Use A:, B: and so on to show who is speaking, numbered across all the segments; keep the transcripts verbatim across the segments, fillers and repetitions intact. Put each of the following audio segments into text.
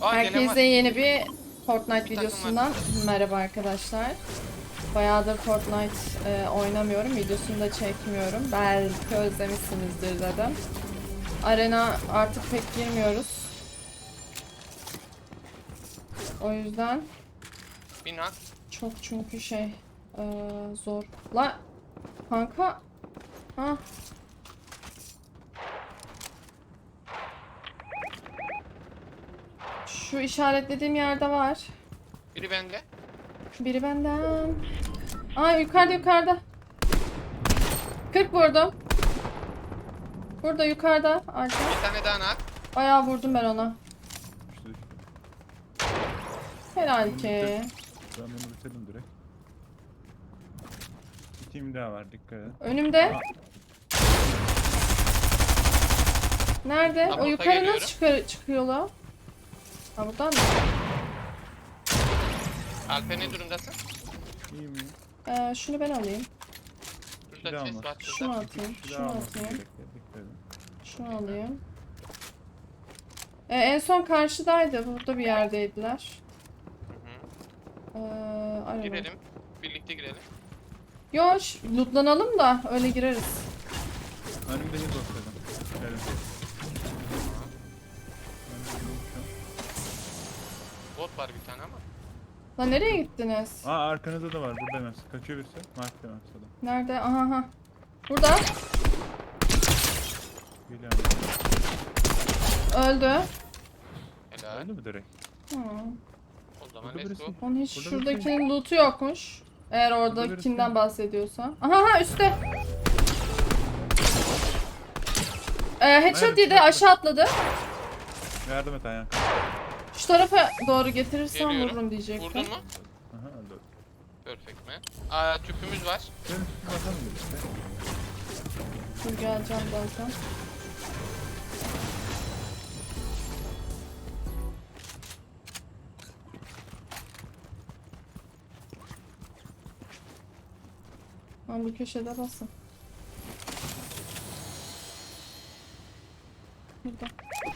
A: Aa,
B: Herkese yeni bir Fortnite
A: Bir
B: videosundan merhaba arkadaşlar. Bayağıdır Fortnite e, oynamıyorum, videosunu da çekmiyorum. Belki özlemişsinizdir dedim. Arena artık pek girmiyoruz. O yüzden
A: Bina.
B: çok çünkü şey e, zor. La kanka. Ha. Şu işaretlediğim yerde var.
A: Biri bende.
B: Biri benden. Aa, yukarıda yukarıda. kırk vurdum. Burada yukarıda arka.
A: Bir tane daha nak.
B: Bayağı vurdum ben ona.
C: İşte işte.
B: Helal ki.
C: Ben bunu bitirdim direkt. Bir team daha var, dikkat et.
B: Önümde.
C: Aa,
B: Nerede?
A: Tam
B: O
A: orta
B: yukarı
A: geliyorum.
B: nasıl çıkar çıkıyor la? Ha, buradan mı?
A: Alper ne durumdasın?
C: iyi mi?
B: Ee, şunu ben alayım.
A: Burada
C: Silah
A: chest
C: almaz.
A: var
B: Şunu
A: şurada.
B: atayım.
C: Bir daha
B: Şunu
C: alması
B: atayım.
C: gerekiyor, dikkat edin.
B: Şunu alayım. Ee, en son karşıdaydı. Burada bir yerdeydiler.
A: Hı
B: Ee,
A: hı.
B: araba.
A: Girelim. Birlikte girelim.
B: Yo, ş- lootlanalım da öyle gireriz.
C: Önümde hiç olsaydım. Gelin.
A: Bot var bir tane ama.
B: Lan nereye gittiniz?
C: Aa, arkanızda da var, burada hemen. Kaçıyor birisi. Mark demem sana.
B: Nerede? Aha ha. Burada.
C: Geliyor.
B: Öldü.
A: Helal.
C: Öldü mü direkt?
B: Hı.
A: O zaman
C: Burada
A: let's go.
C: birisi.
B: Onun hiç
C: Burada
B: şuradakinin loot'u yokmuş. Eğer
C: Burada
B: oradakinden
C: birisi.
B: bahsediyorsan. Aha ha, üstte. Ee, headshot
C: Nerede?
B: yedi, aşağı atladı.
C: Yardım et Ayhan.
B: Şu tarafa doğru getirirsem
A: Geliyorum.
B: vururum diyecektim.
A: Vurdun mu?
C: Aha, öldü.
A: Perfect man. Aa, tüpümüz var.
C: Benim üstüme bakalım bir işte.
B: Dur geleceğim zaten. Ben bu köşede basın. Burada.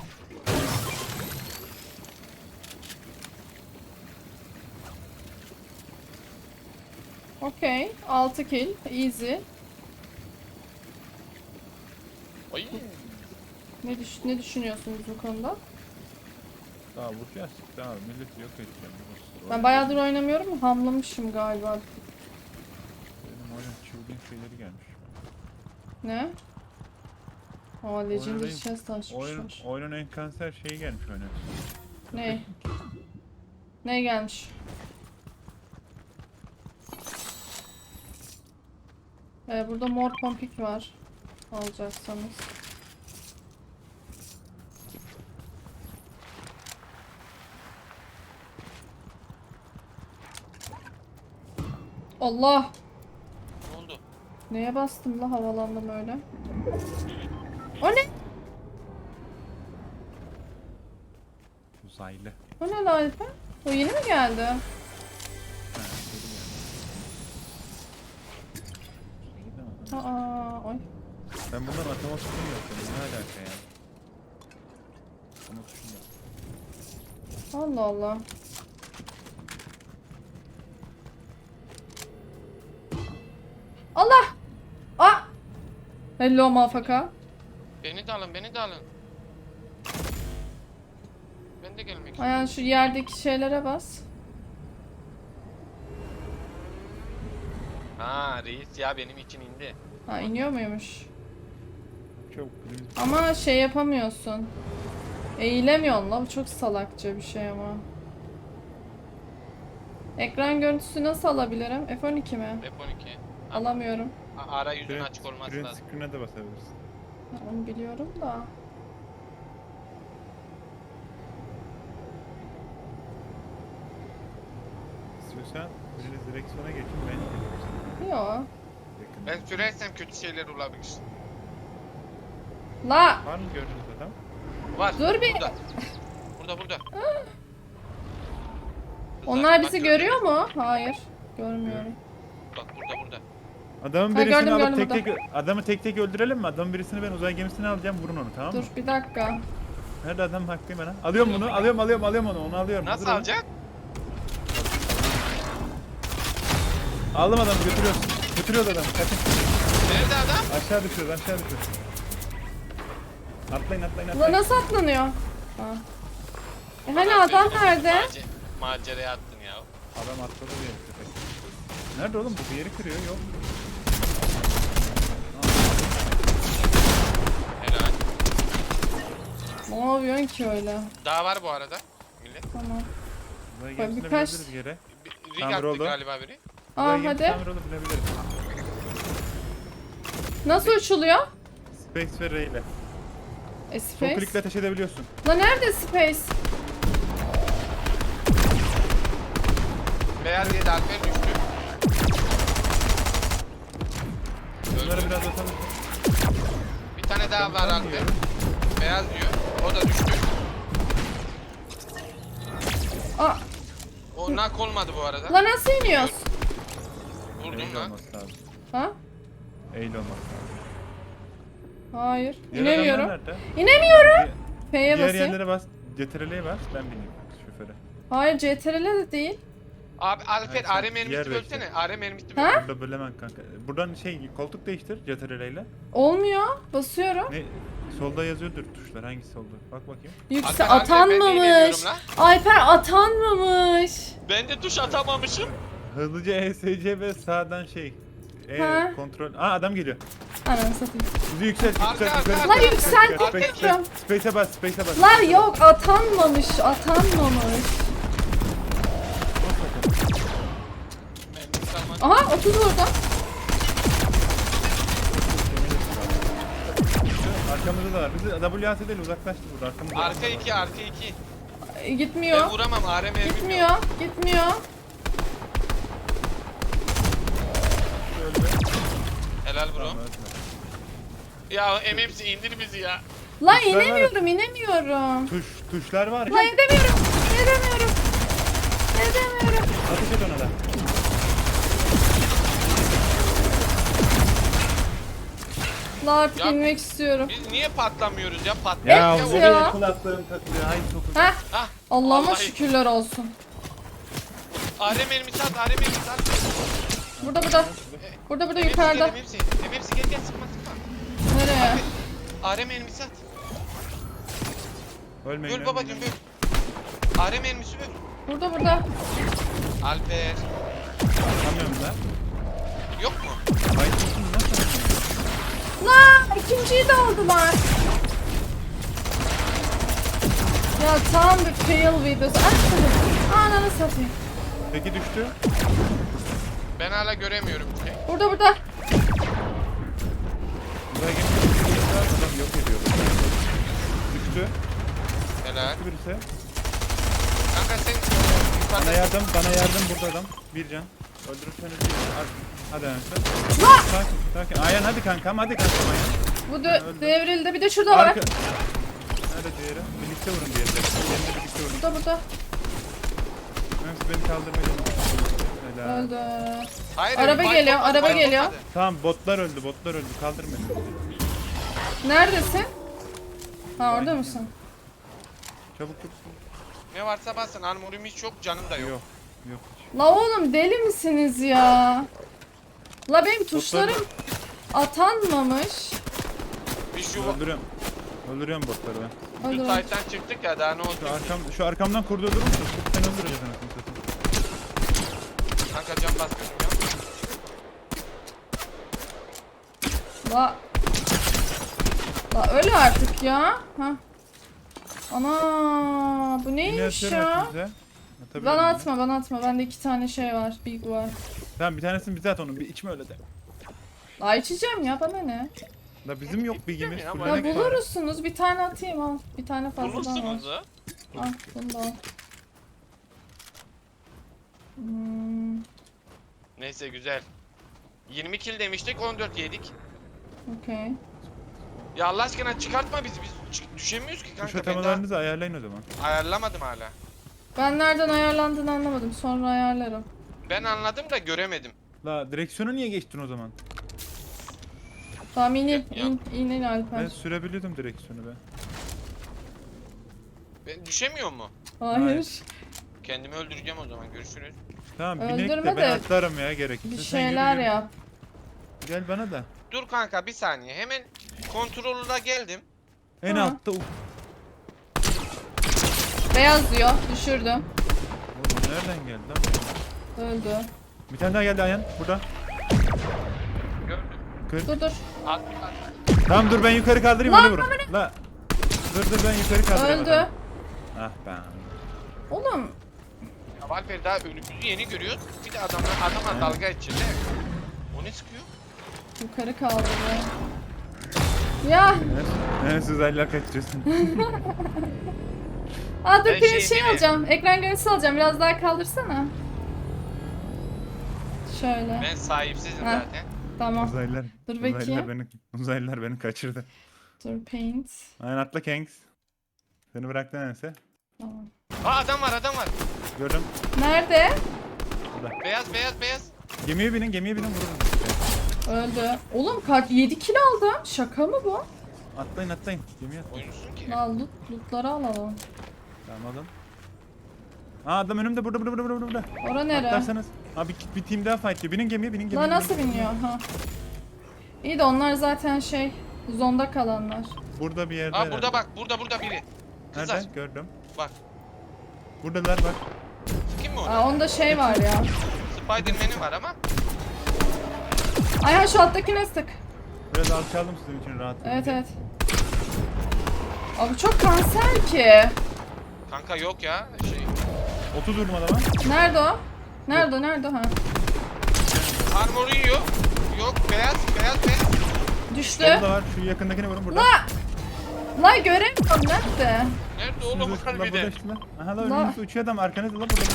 B: Okey. altı kill. Easy.
A: Ay.
B: Ne, düş ne düşünüyorsunuz bu konuda?
C: Daha vuracağız. Daha milleti yok edeceğim.
B: Ben bayağıdır oynamıyorum. Hamlamışım galiba.
C: Benim oyun çılgın şeyleri gelmiş.
B: Ne? Aa, Legendary
C: Oyunun-
B: Chest
C: Oyunun,
B: açmışlar.
C: oyunun en kanser şeyi gelmiş oyuna.
B: Ne? Ne gelmiş? Ee, burada mor pompik var. Alacaksanız. Allah!
A: Ne oldu?
B: Neye bastım la, havalandım öyle. O ne?
C: Uzaylı.
B: O ne la Alper? O yeni mi geldi?
C: Ha, geri geldi. İyi de ama.
B: Aa, oy.
C: Ben bundan atama tuşunu yapıyorum. Ne alaka ya? Atama tuşunu yap.
B: Allah Allah. Allah! Ah! Hello mafaka.
A: Beni de alın, beni de alın. Ben de gelmek istiyorum.
B: Ayağın şu yerdeki şeylere bas.
A: Ha reis ya benim için indi.
B: Ha, iniyor muymuş?
C: Çok please.
B: Ama şey yapamıyorsun. Eğilemiyorsun la, bu çok salakça bir şey ama. Ekran görüntüsü nasıl alabilirim? F on iki mi?
A: F on iki.
B: Alamıyorum.
A: A- Ara yüzün
C: Print-
A: açık olması
C: print
A: lazım.
C: screen'e de basabilirsin.
B: Ha, onu biliyorum da.
C: İstiyorsan biriniz direksiyona geçin, ben geliyorum sana.
B: Yo.
C: Yakın.
A: Ben sürersem kötü şeyler olabilir.
B: La!
C: Var mı gördüğünüz adam?
A: Var.
B: Dur bir-
A: Burada. Burada burada.
B: Onlar
A: Bak,
B: bizi
A: gördün
B: görüyor
A: mü?
B: mu? Hayır. Görmüyorum.
A: Bak burada burada.
C: Adamın
B: Ha,
C: birisini
B: gördüm,
C: alıp
B: gördüm
C: tek tek adamı tek tek öldürelim mi? Adamın birisini ben uzay gemisine alacağım, vurun onu, tamam mı?
B: Dur bir dakika.
C: Nerede adam bakayım bana. Alıyorum bunu. Alıyorum alıyorum alıyorum onu. Onu alıyorum.
A: Nasıl
C: Hazır olun.
A: alacaksın?
C: Aldım adamı götürüyoruz. Götürüyoruz adamı. Kaçın.
A: Nerede adam?
C: Aşağı düşüyoruz aşağı düşüyoruz. Atlayın atlayın
B: Ulan
C: atlayın.
B: nasıl atlanıyor? Ha. E hani adam nerede?
A: Mace maceraya attın ya.
C: Adam atladı bir yere köpek. Nerede oğlum bu? Bir yeri kırıyor yok.
A: Helal.
B: Ne yapıyorsun ki öyle?
A: Daha var bu arada. Millet.
B: Tamam.
C: Buraya
B: Bak,
C: gerisine
B: birkaç-
C: binebiliriz yere.
A: Bir, rig
C: Tamir
A: attı
C: oldu.
A: galiba biri.
C: Buraya
B: Aa
C: gelip
B: hadi.
C: tamir olup binebiliriz.
B: Nasıl uçuluyor?
C: Space ve R ile.
B: E,
C: Sol
B: space.
C: klikle ateş edebiliyorsun.
B: Lan nerede space?
A: Beyaz yedi Alper düştü.
C: Bunları
A: Öldü.
C: biraz atalım.
A: Bir tane daha var
C: Tamam,
A: Alper.
C: diyor.
A: Beyaz diyor. O da düştü.
B: Aa,
A: O nak olmadı bu arada.
B: lan nasıl iniyoruz?
A: Vurdum
C: Eğil
A: lan.
C: olması lazım.
B: Ha?
C: Eğil olması lazım.
B: Hayır.
C: Diğer
B: İnemiyorum.
C: adamlar nerede?
B: İnemiyorum.
C: Di-
B: F'ye
C: Diğer
B: basayım.
C: yerlere bas. C T R L'ye bas. Ben bineyim şoföre.
B: Hayır C T R L de değil.
A: Abi Alper
C: Hayır, sen
A: A R mermisi
C: yer
A: bölsene.
C: bekle.
A: A R mermisi
B: Ha?
A: böl.
C: Burada bölemem kanka. Buradan şey koltuk değiştir C T R L ile.
B: Olmuyor. Basıyorum.
C: Ne? Solda yazıyordur tuşlar. Hangisi solda? Bak bakayım.
B: Yüksel
A: Alper, Alper, ben de
B: atanmamış.
A: inemiyorum lan.
B: Alper atanmamış.
A: Ben de tuş atamamışım.
C: Hızlıca E S C ve sağdan şey. E
B: Ha?
C: kontrol. Aa adam geliyor.
B: Ananı satayım.
C: Bizi yükselt,
A: Arka,
C: yükselt,
A: arka,
C: yukarı.
A: arka,
B: Lan
C: çıkar,
B: yükselttik
C: çıkar. Space,
B: diyorum.
C: space, Space'e bas, space'e bas.
B: Lan yok atanmamış. Atanmamış.
A: Mermisi almak.
B: Aha otuz orada.
C: Arkamızda da var. Bizi W A S değil uzaklaştı burada. Arkamızda.
A: Arka iki, arka iki.
B: E, gitmiyor.
A: Ben vuramam. A R mermim yok.
B: Gitmiyor. Gitmiyor.
C: Öldü.
A: Helal bro.
C: Tamam, öldü.
A: Ya M M C indir bizi ya.
B: Lan
C: Tuşlar var.
B: inemiyorum inemiyorum.
C: Tuş, tuşlar var
B: Lan
C: ya.
B: edemiyorum. Edemiyorum. Edemiyorum.
C: Ateş et ona da.
B: Lan artık
A: Ya-
B: inmek istiyorum.
A: Biz niye patlamıyoruz ya? Pat
C: Ya
A: ya,
B: Evet
C: bu
B: ya.
C: benim kulaklığım takılıyor. Hayır çok uzak.
B: Heh.
A: Ah,
B: Allah'ıma
A: vallahi.
B: şükürler olsun.
A: A R mermisi at, A R mermisi at.
B: Burada burada. Burada burada
A: M M C
B: yukarıda.
A: gel, M M C. M M C gel gel sıkma sıkma.
B: Nereye?
A: A R mermisi at.
C: Ölmeyin.
A: Böl babacım
C: ölmeyin.
A: böl. A R mermisi böl.
B: Burada burada.
A: Alper.
C: Anlamıyorum da.
A: Yok mu?
C: Bayit olsun nasıl?
B: Lan ikinciyi de aldılar. Ya tam bir fail videosu. Açmadım. Ananı satayım.
C: Peki düştü.
A: Ben hala göremiyorum bir şey.
B: Burada burada.
C: Buraya geçti. Adam yok ediyor. Düştü.
A: Helal.
C: Düştü birisi.
A: Kanka sen
C: Bana
A: yukarıda.
C: yardım, bana yardım burada adam. Bir can. Öldürürseniz bir can. Hadi Anasın.
B: Lan!
C: Sakin, sakin. Ayhan hadi kankam, hadi kankam Ayhan.
B: Bu dö- devrildi. Bir de şurada var.
C: Arka. Nerede diğeri? Birlikte vurun diğeri. Diğerini birlikte vurun.
B: Burada burada.
C: Neyse beni kaldırmaya Helal.
B: Öldü.
A: Hayır,
B: Araba
A: fight
B: geliyor,
A: olmadı,
B: araba
A: fight
B: geliyor.
A: olmadı.
C: Tamam botlar öldü, botlar öldü. Kaldır beni.
B: Neredesin? Ha orada mısın?
C: Çabuk tut.
A: Ne varsa basın. Armorum hiç yok, canım da yok.
C: Yok. Yok.
B: La oğlum deli misiniz ya? La benim tuşlarım atanmamış.
A: Bir şu,
C: Öldürüyorum. Öldürüyorum botları ben.
A: şu
B: Öldü.
A: site'den çıktık ya daha ne oldu?
C: Şu arkam, şu arkamdan kurdurdurur musun? Sen öldüreceksin anasını satayım.
A: Kanka can basmıyorum ya.
B: La. La öyle artık ya. Ha. Ana bu
C: Yine
B: neymiş
C: atıyorum
B: ya?
C: hepinize. Atabilirim
B: Bana
C: yine.
B: atma bana atma. Bende iki tane şey var. Big var.
C: Tamam bir tanesini bize at onu. Bir içme öyle de.
B: La içeceğim ya bana ne?
C: La bizim yok bilgimiz.
A: ya,
C: full
A: bana
B: Ya
C: yemek var.
B: bulursunuz. Bir tane atayım al. Bir tane fazladan var.
A: Bulursunuz ha.
B: Al bunu da al. Hmm,
A: Neyse güzel. yirmi kill demiştik, on dört yedik.
B: okey.
A: Ya Allah aşkına çıkartma bizi, biz çık- düşemiyoruz ki
C: Tuş
A: kanka. Ben daha
C: atamalarınızı ayarlayın o zaman.
A: ayarlamadım hala.
B: Ben nereden ayarlandığını anlamadım. Sonra ayarlarım.
A: Ben anladım da göremedim.
C: La direksiyonu niye geçtin o zaman?
B: Tamam in in
A: Ya-
B: in in, in Alper.
C: Ben sürebiliyordum direksiyonu ben.
A: Ben düşemiyor mu?
B: Hayır.
C: Hayır.
A: Kendimi öldüreceğim o zaman. Görüşürüz.
C: Tamam binek
B: Öldürme
C: de ben
B: de
C: atlarım ya gerekirse.
B: Bir
C: Sen yürü,
B: şeyler
C: yürü.
B: yap.
C: Gel bana da.
A: Dur kanka bir saniye. Hemen kontrolüne geldim.
C: En
B: Ha.
C: altta uf.
B: Beyaz diyor. Düşürdüm.
C: Oğlum nereden geldi lan?
B: Öldü.
C: Bir tane daha geldi Ayhan burada.
A: Gördüm.
C: Kır.
B: Dur dur.
A: At, at.
C: Tamam dur ben yukarı kaldırayım
B: Lan,
C: öyle vurun. La. Dur dur ben yukarı kaldırayım.
B: Öldü.
C: adamı. Ah ben.
B: Oğlum.
A: Ya Valper daha önümüzü yeni görüyoruz. Bir de adamlar adamla dalga edeceğiz. O ne sıkıyor?
B: Yukarı kaldırdı. Ya.
C: Neresi uzaylılar kaçırıyorsun?
B: Aa dur
A: Ben
B: bir
A: şey
B: şey
A: değil mi?
B: alacağım. Ekran görüntüsü alacağım. Biraz daha kaldırsana. Şöyle.
A: Ben sahipsizim
B: Ha.
A: zaten.
B: Tamam.
C: Uzaylılar.
B: Dur
C: Uzaylılar
B: bakayım.
C: beni, uzaylılar beni kaçırdı.
B: Dur paint.
C: Aynen atla Kanks. Seni bıraktı neyse.
B: Tamam.
A: Aa adam var adam var.
C: Gördüm.
B: Nerede?
A: Beyaz beyaz beyaz.
C: Gemiye binin gemiye binin vurun.
B: Öldü. Oğlum kaç yedi kilo aldım. Şaka mı bu?
C: Atlayın atlayın. Gemiye atlayın.
A: Oyuncusun ki.
B: Lan loot, lootları alalım.
C: Tamam alın. Aa adam önümde burada burada burada burada.
B: Ora nere?
C: Atlarsanız. Abi bir, bir team daha fight diyor. Binin gemiye binin gemiye.
B: Lan nasıl
C: binin.
B: biniyor? Ha. İyi de onlar zaten şey zonda kalanlar.
C: Burada bir yerde.
A: Aa
C: herhalde.
A: burada bak burada burada biri. Kızlar
C: Nerede? Gördüm.
A: bak.
C: Buradalar bak.
A: Kim mi o?
B: Aa onda şey var ya.
A: Spiderman'i var ama.
B: Ayhan şu alttakine sık.
C: Biraz alçaldım sizin için rahat.
B: Evet evet. Abi çok kanser ki.
A: Kanka yok ya şey.
C: otuz vurdum adama.
B: Nerede o? Nerede o? Nerede o? Ha.
A: Armor'u yiyor. Yok beyaz beyaz beyaz.
B: Düştü.
C: Solda da var. Şu yakındakini vurun burada.
B: La! La göremiyorum nerede?
A: Nerede oğlum
C: Şurada, la burada
A: harbiden?
C: işte lan. Aha la
B: La-
C: önünüzde uçuyor adam arkanızda la burada.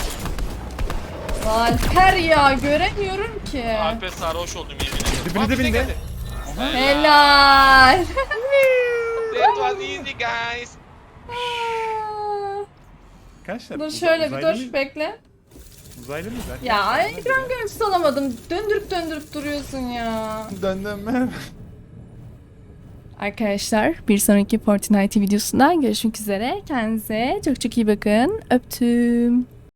B: Alper ya göremiyorum ki.
A: Alper sarhoş oldum yemin ederim.
C: Dibine
A: Aa, bize
C: dibinde.
A: geldi.
B: Helal.
A: That was easy guys.
C: Kaçlar?
B: Dur
C: Uz-
B: şöyle bir
C: uzaylı
B: dur
C: mıyız?
B: bekle.
C: Uzaylı mıyız? Arkadaşlar?
B: Ya ekran görüntüsü alamadım. Döndürüp döndürüp duruyorsun ya.
C: Döndüm.
B: Arkadaşlar bir sonraki Fortnite videosundan görüşmek üzere. Kendinize çok çok iyi bakın. Öptüm.